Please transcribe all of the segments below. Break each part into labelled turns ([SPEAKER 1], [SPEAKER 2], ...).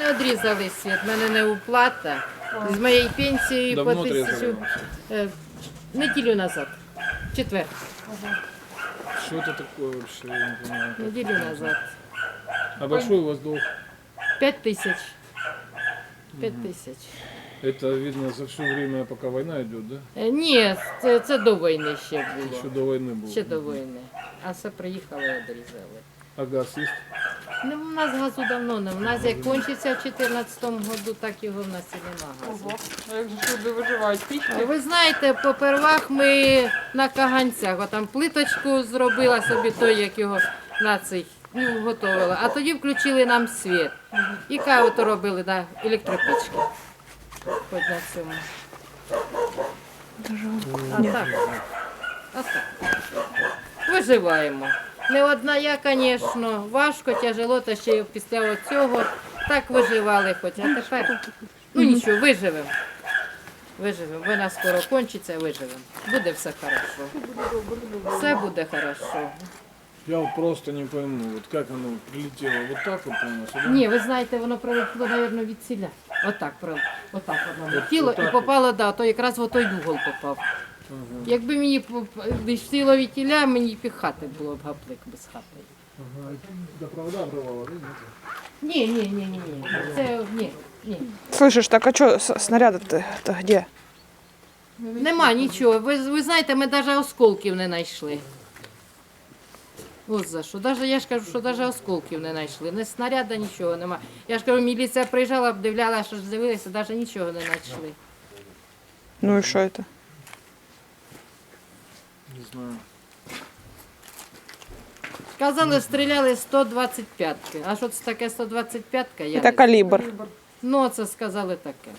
[SPEAKER 1] мене одрізали світ, в мене не уплата. З моєї пенсії по
[SPEAKER 2] Давно
[SPEAKER 1] 1000
[SPEAKER 2] отрезали?
[SPEAKER 1] неділю назад, четвер,
[SPEAKER 2] Что это такое вообще? Я не понимаю.
[SPEAKER 1] неділю назад.
[SPEAKER 2] А большой у вас долг?
[SPEAKER 1] 5000. 5000.
[SPEAKER 2] Это видно за все время, пока война идет, да?
[SPEAKER 1] Ні, це до війни ще було.
[SPEAKER 2] Еще до войны было.
[SPEAKER 1] Ще до війни. А все приїхали і одрізали.
[SPEAKER 2] А газ есть?
[SPEAKER 1] Ну, у нас газу давно не. У нас як кончиться в 2014 году, так його в нас і нема газу.
[SPEAKER 3] Ого. А як же ж люди виживають? Пічки?
[SPEAKER 1] Ви знаєте, попервах ми на каганцях, отам плиточку зробила собі той, як його на цей, ну, готувала. А тоді включили нам світ. І каву то робили на електропічки. Хоч на цьому. А так. А так. Виживаємо. Не одна я, звісно, важко, тяжело, та ще й після цього так виживали хоч. А тепер, ну нічого, виживемо. Виживемо. Вона скоро кончиться, виживемо. Буде все хорошо. Все буде хорошо.
[SPEAKER 2] Я вот просто не пойму, вот как оно прилетело вот так вот у нас? Да?
[SPEAKER 1] Ні, ви знаєте, воно прилетіло, мабуть, від ціля. Отак, отак воно летіло
[SPEAKER 2] отак
[SPEAKER 1] і попало, да, то якраз в той угол попав.
[SPEAKER 2] Ага.
[SPEAKER 1] Якби мені летіло від тіля, мені піхати було б гаплик без хати.
[SPEAKER 2] Ага. До провода обрывало, да? Нет?
[SPEAKER 1] Ні. Це ні.
[SPEAKER 3] Слышиш, так а що снаряди-то де?
[SPEAKER 1] Нема нічого. Ви знаєте, ми навіть осколків не знайшли. От за що. Даже, я ж кажу, що навіть осколків не знайшли. Не снаряда, нічого нема. Я ж кажу, міліція приїжджала, обдивляла, що ж дивилися, навіть нічого не знайшли.
[SPEAKER 3] Ну і що це?
[SPEAKER 2] Не знаю.
[SPEAKER 1] Казали, стріляли 125-ки. А що це таке 125-ка? Я
[SPEAKER 3] Це
[SPEAKER 1] не
[SPEAKER 3] калібр.
[SPEAKER 1] Ну, це сказали таке.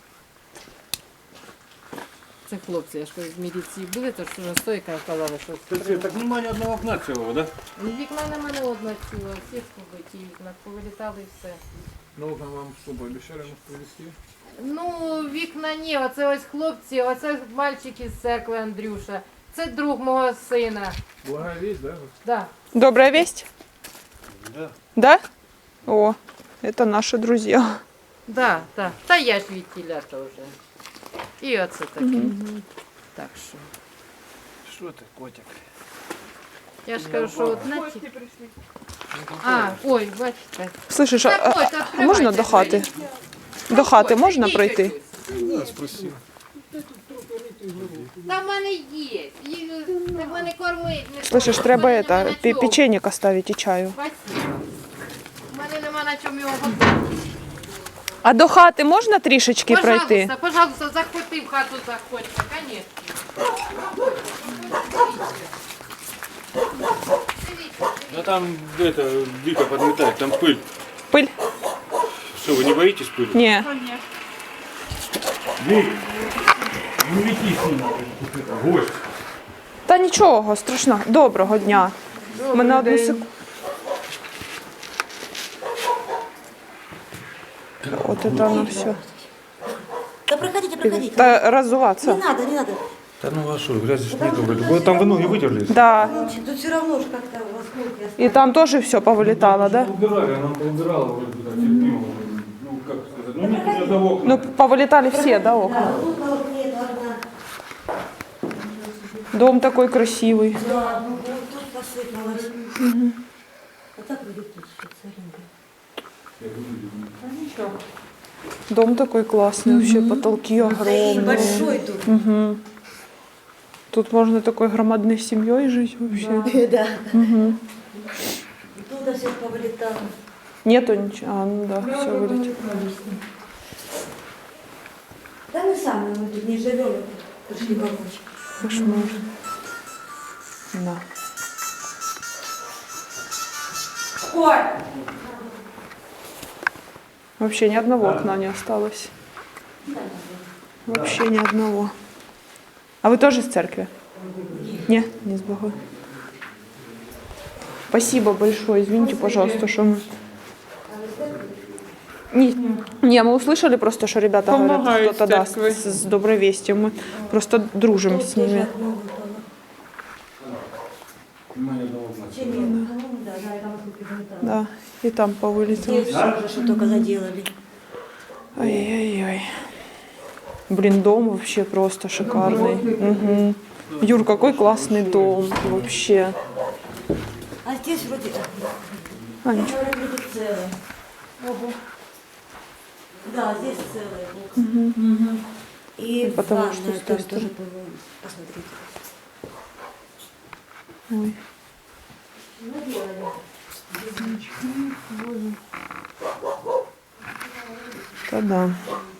[SPEAKER 1] Це хлопці, я ж кажу, з міліції були, то що стойка казали, що
[SPEAKER 4] Так нема ні одного окна цілого, да?
[SPEAKER 1] вікна нема не одного цілого, всі побиті вікна, повилітали і все.
[SPEAKER 2] Ну вот вам что, пообещали нас привезти?
[SPEAKER 1] Ну, вікна ні, оце ось хлопці, оце мальчик із церкви Андрюша. Це друг мого сина.
[SPEAKER 2] Благая весть, да?
[SPEAKER 1] Да.
[SPEAKER 3] Добрая весть?
[SPEAKER 4] Да.
[SPEAKER 3] Да? О, это наши друзья.
[SPEAKER 1] Да. Та я ж від тіля теж. І оце таке. Так що.
[SPEAKER 4] Що ти, котик?
[SPEAKER 1] Я ж кажу, що одна ті... А, ой, бачите.
[SPEAKER 3] Слышиш,
[SPEAKER 1] Заходьте,
[SPEAKER 3] а можна до хати?
[SPEAKER 1] відкривайте
[SPEAKER 3] До хати
[SPEAKER 1] двері.
[SPEAKER 3] можна
[SPEAKER 1] Ідіть,
[SPEAKER 3] пройти?
[SPEAKER 1] ось.
[SPEAKER 2] Да, спроси.
[SPEAKER 1] Та в мене є. Їх треба не кормить. Не
[SPEAKER 3] Слышиш,
[SPEAKER 1] кормить.
[SPEAKER 3] треба
[SPEAKER 1] В мене нема
[SPEAKER 3] это,
[SPEAKER 1] на чому.
[SPEAKER 3] печенье оставить і чаю.
[SPEAKER 1] Спасибо. У мене нема на чому його готувати.
[SPEAKER 3] А до хати можна трішечки пройти?
[SPEAKER 1] Пожалуйста, заходьте в хату, заходьте, конечно.
[SPEAKER 4] Да там это дико подметает, там пыль.
[SPEAKER 3] Пиль?
[SPEAKER 4] Что, вы не боитесь пыли?
[SPEAKER 3] Ні.
[SPEAKER 4] Вик, не лети с ним, гость.
[SPEAKER 3] Та нічого, страшно. Доброго дня. Ми на одну секунду. Вот это оно все.
[SPEAKER 5] Да проходите, проходите.
[SPEAKER 3] Та разуваться.
[SPEAKER 5] Не надо, не надо.
[SPEAKER 4] Да ну а что, грязи ж нету вроде. Вы там вы ноги вытерли?
[SPEAKER 3] Да.
[SPEAKER 5] Ну, тут все равно же как-то осколки остались.
[SPEAKER 3] И там тоже все повылетало, да?
[SPEAKER 4] Убирали, она поубирала вроде бы так терпимо. Ну как сказать, ну нет ни одного окна.
[SPEAKER 3] Ну, повылетали все, да, окна?
[SPEAKER 5] А тут на окне одна.
[SPEAKER 3] Дом такой красивый.
[SPEAKER 5] Да, ну вот тут посыпалось. А так будет тут всё целенько. А ничего.
[SPEAKER 3] Дом такой классный, вообще потолки
[SPEAKER 5] И
[SPEAKER 3] огромные.
[SPEAKER 5] большой тут.
[SPEAKER 3] Мгм. Тут можно такой громадной семьей жить вообще.
[SPEAKER 5] Да.
[SPEAKER 3] Мгм.
[SPEAKER 5] И туда все повылетало.
[SPEAKER 3] Нету ничего. А, ну да, все вылетело.
[SPEAKER 5] Да мы сами, мы тут не живем, пришли помочь.
[SPEAKER 3] Кошмар. Да.
[SPEAKER 5] Ой!
[SPEAKER 3] Вообще ни одного окна не осталось. Вообще ни одного. А вы тоже из церкви? Не, не с Богом. Спасибо большое. Извините, пожалуйста, что мы... Не, мы услышали просто, что ребята говорят,
[SPEAKER 6] Помогают
[SPEAKER 3] кто-то да,
[SPEAKER 6] церкви.
[SPEAKER 3] с доброй вестью. Мы просто дружим с ними.
[SPEAKER 4] Нема ни одного окна.
[SPEAKER 5] Чем нет? Ну, да, да, там осколки вылетало.
[SPEAKER 3] Да. И там повылетело.
[SPEAKER 5] Здесь уже что только заделали.
[SPEAKER 3] Ой-ой-ой. Блин, дом вообще просто шикарный. Мгм. Юр, какой классный дом вообще.
[SPEAKER 5] А здесь вроде,
[SPEAKER 3] Анечка.
[SPEAKER 5] вроде целое. Ого. Да, здесь целое. Мгм. И
[SPEAKER 3] Потому что
[SPEAKER 5] ванная
[SPEAKER 3] с той
[SPEAKER 5] там
[SPEAKER 3] стороны.
[SPEAKER 5] тоже, по-моему, посмотрите.
[SPEAKER 3] Ой.
[SPEAKER 5] Наделали.
[SPEAKER 3] Да-да.